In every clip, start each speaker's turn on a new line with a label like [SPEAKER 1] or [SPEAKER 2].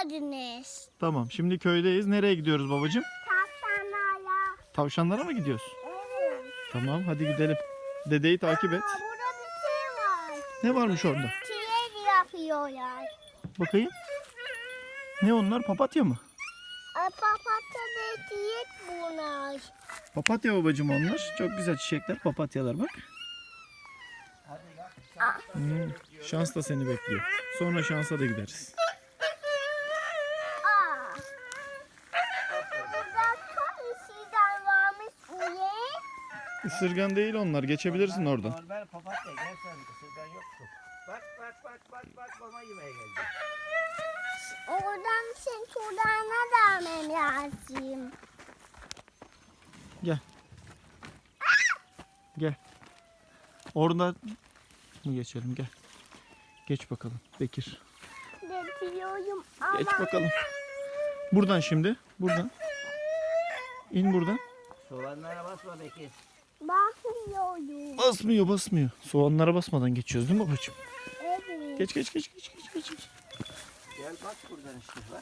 [SPEAKER 1] geldiniz.
[SPEAKER 2] Tamam, şimdi köydeyiz. Nereye gidiyoruz babacığım?
[SPEAKER 1] Tavşanlarla.
[SPEAKER 2] Tavşanlara mı gidiyoruz?
[SPEAKER 1] Evet.
[SPEAKER 2] Tamam, hadi gidelim. Dedeyi takip et.
[SPEAKER 1] Burada bir şey var.
[SPEAKER 2] Ne varmış orada?
[SPEAKER 1] Çilek yapıyorlar.
[SPEAKER 2] Bakayım. Ne onlar? Papatya mı?
[SPEAKER 1] Papatya ve çilek bunlar.
[SPEAKER 2] Papatya babacığım onlar. Çok güzel çiçekler, papatyalar bak. Şans da seni bekliyor. Sonra şansa da gideriz.
[SPEAKER 1] Burada çok işiden varmış diye.
[SPEAKER 2] Isırgan değil onlar. Geçebilirsin oradan.
[SPEAKER 3] Normal papatya gel sen ısırgan yoktu. Bak mama yemeye geldi.
[SPEAKER 1] Oradan sen şuradan vermem lazım.
[SPEAKER 2] Gel. Gel. Oradan mı geçelim? Gel. Geç bakalım Bekir.
[SPEAKER 1] Bekliyorum ama.
[SPEAKER 2] Geç bakalım. Buradan şimdi. Buradan. İn buradan.
[SPEAKER 3] Soğanlara basma Bekir.
[SPEAKER 1] Bakmıyorum.
[SPEAKER 2] Basmıyor. Soğanlara basmadan geçiyoruz değil mi babacığım?
[SPEAKER 1] Evet.
[SPEAKER 2] Geç.
[SPEAKER 3] Gel bak buradan işte bak.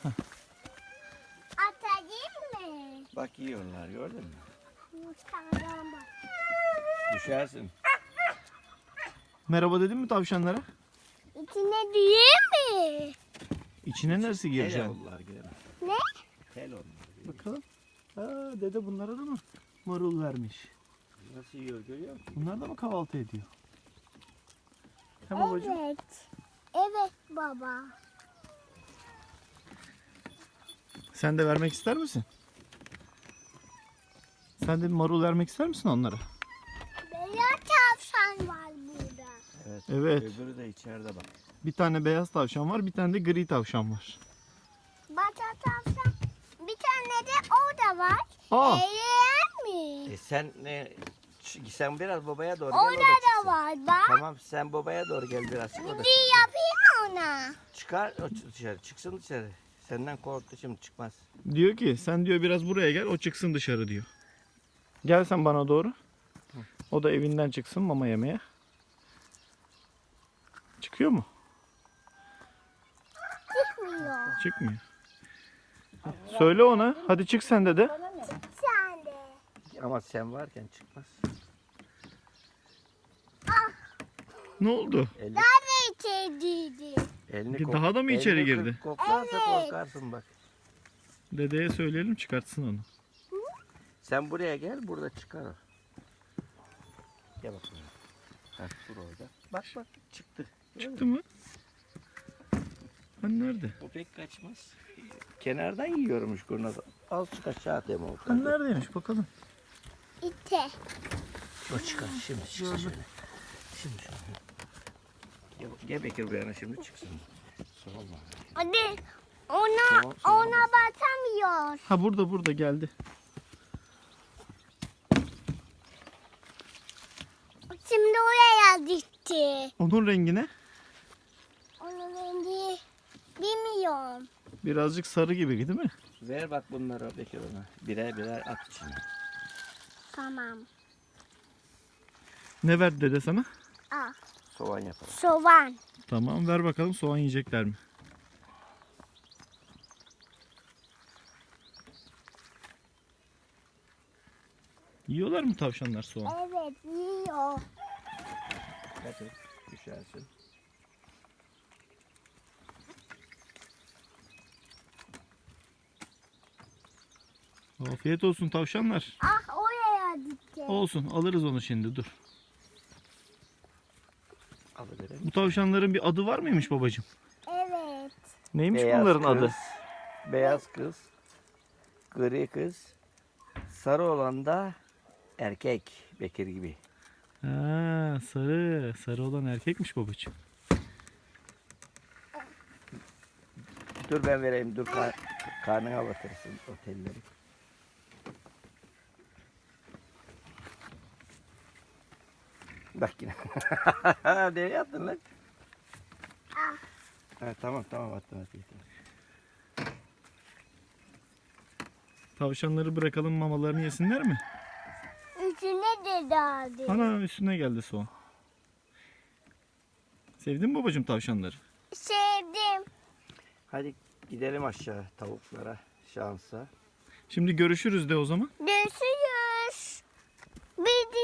[SPEAKER 1] Atayım mı?
[SPEAKER 3] Bak yiyorlar gördün mü?
[SPEAKER 1] Yukarıdan bak.
[SPEAKER 3] Düşersin.
[SPEAKER 2] Merhaba dedin mi tavşanlara?
[SPEAKER 1] İçine değil mi?
[SPEAKER 2] İçine neresi
[SPEAKER 3] Tel
[SPEAKER 2] gireceksin?
[SPEAKER 3] onlar girer.
[SPEAKER 1] Ne?
[SPEAKER 3] Tel onlar.
[SPEAKER 2] Bakalım. Aa, dede bunlara da mı marul vermiş?
[SPEAKER 3] Nasıl yiyor görüyor musun?
[SPEAKER 2] Bunlar da mı kahvaltı ediyor? He babacığım?
[SPEAKER 1] Evet. Evet baba.
[SPEAKER 2] Sen de vermek ister misin? Sen de bir marul vermek ister misin onlara?
[SPEAKER 1] Beyaz tavşan var burada.
[SPEAKER 2] Evet.
[SPEAKER 3] Öbürü de içeride bak.
[SPEAKER 2] Bir tane beyaz tavşan var, bir tane de gri tavşan var.
[SPEAKER 1] Bata tavşan. Bir tane de o da var.
[SPEAKER 2] Aa!
[SPEAKER 1] Eğer mi?
[SPEAKER 3] Sen ne? Sen biraz babaya doğru gel.
[SPEAKER 1] Orada
[SPEAKER 3] o da
[SPEAKER 1] da
[SPEAKER 3] çıksın.
[SPEAKER 1] var bak.
[SPEAKER 3] Tamam sen babaya doğru gel biraz. O da
[SPEAKER 1] Bir
[SPEAKER 3] çıksın.
[SPEAKER 1] yapayım ona.
[SPEAKER 3] Çıkar o dışarı. Çıksın dışarı. Senden korktu şimdi çıkmaz.
[SPEAKER 2] Diyor ki sen diyor biraz buraya gel, o çıksın dışarı diyor. Gel sen bana doğru. O da evinden çıksın mama yemeye. Çıkıyor mu?
[SPEAKER 1] Çıkmıyor.
[SPEAKER 2] Çıkmıyor. Söyle ona, hadi çık sen de de.
[SPEAKER 1] Sen de.
[SPEAKER 3] Ama sen varken çıkmaz.
[SPEAKER 2] Ne oldu?
[SPEAKER 3] Elini,
[SPEAKER 1] Nerede içerideydi?
[SPEAKER 3] elini
[SPEAKER 2] Daha da mı içeri
[SPEAKER 3] elini
[SPEAKER 2] girdi?
[SPEAKER 3] Koklarsa
[SPEAKER 1] Evet.
[SPEAKER 3] korkarsın bak.
[SPEAKER 2] Dedeye söyleyelim çıkartsın onu.
[SPEAKER 3] Sen buraya gel burada çıkar o. Gel bak buraya. Heh, dur orada. Bak çıktı.
[SPEAKER 2] Çıktı mı? Hani nerede?
[SPEAKER 3] O pek kaçmaz. Kenardan yiyormuş kurnaz. Azıcık aşağı atayım o.
[SPEAKER 2] Hani neredeymiş bakalım.
[SPEAKER 1] İte.
[SPEAKER 3] O çıkar şimdi çıksın şöyle. Şimdi şöyle. Gel Bekir buraya şimdi çıksın. Sorma.
[SPEAKER 1] Hadi. Ona
[SPEAKER 3] Tamam.
[SPEAKER 1] batamıyor.
[SPEAKER 2] Ha burada geldi.
[SPEAKER 1] Şimdi oraya gitti.
[SPEAKER 2] Onun rengi ne?
[SPEAKER 1] Onun rengi bilmiyorum.
[SPEAKER 2] Birazcık sarı gibi değil mi?
[SPEAKER 3] Ver bak bunları Bekir ona. Birer at içine.
[SPEAKER 1] Tamam.
[SPEAKER 2] Ne verdi dede sana?
[SPEAKER 1] Al.
[SPEAKER 3] Soğan yapalım.
[SPEAKER 1] Soğan.
[SPEAKER 2] Tamam ver bakalım soğan yiyecekler mi? Yiyorlar mı tavşanlar soğan?
[SPEAKER 1] Evet yiyor.
[SPEAKER 3] Dikkat et. Düşersin.
[SPEAKER 2] Afiyet olsun tavşanlar.
[SPEAKER 1] Ah oraya gitti.
[SPEAKER 2] Olsun alırız onu şimdi dur.
[SPEAKER 3] Alıverelim.
[SPEAKER 2] Bu tavşanların bir adı var mıymış babacığım?
[SPEAKER 1] Evet.
[SPEAKER 2] Neymiş
[SPEAKER 3] Beyaz
[SPEAKER 2] bunların adı?
[SPEAKER 3] kız, Beyaz kız. Gri kız. Sarı olan da erkek. Bekir gibi.
[SPEAKER 2] Ha, sarı. Sarı olan erkekmiş babacığım.
[SPEAKER 3] Dur ben vereyim. Dur karnına batırsın otelleri. Bak yine. Nereye attın lan?
[SPEAKER 1] Ah.
[SPEAKER 3] Ha, tamam attım.
[SPEAKER 2] Tavşanları bırakalım mamalarını yesinler mi?
[SPEAKER 1] Üstüne de dağıldı.
[SPEAKER 2] Ana üstüne geldi soğan. Sevdin mi babacığım tavşanları?
[SPEAKER 1] Sevdim.
[SPEAKER 3] Hadi Gidelim aşağı tavuklara şansa.
[SPEAKER 2] Şimdi görüşürüz de o zaman.
[SPEAKER 1] Görüşürüz. Bir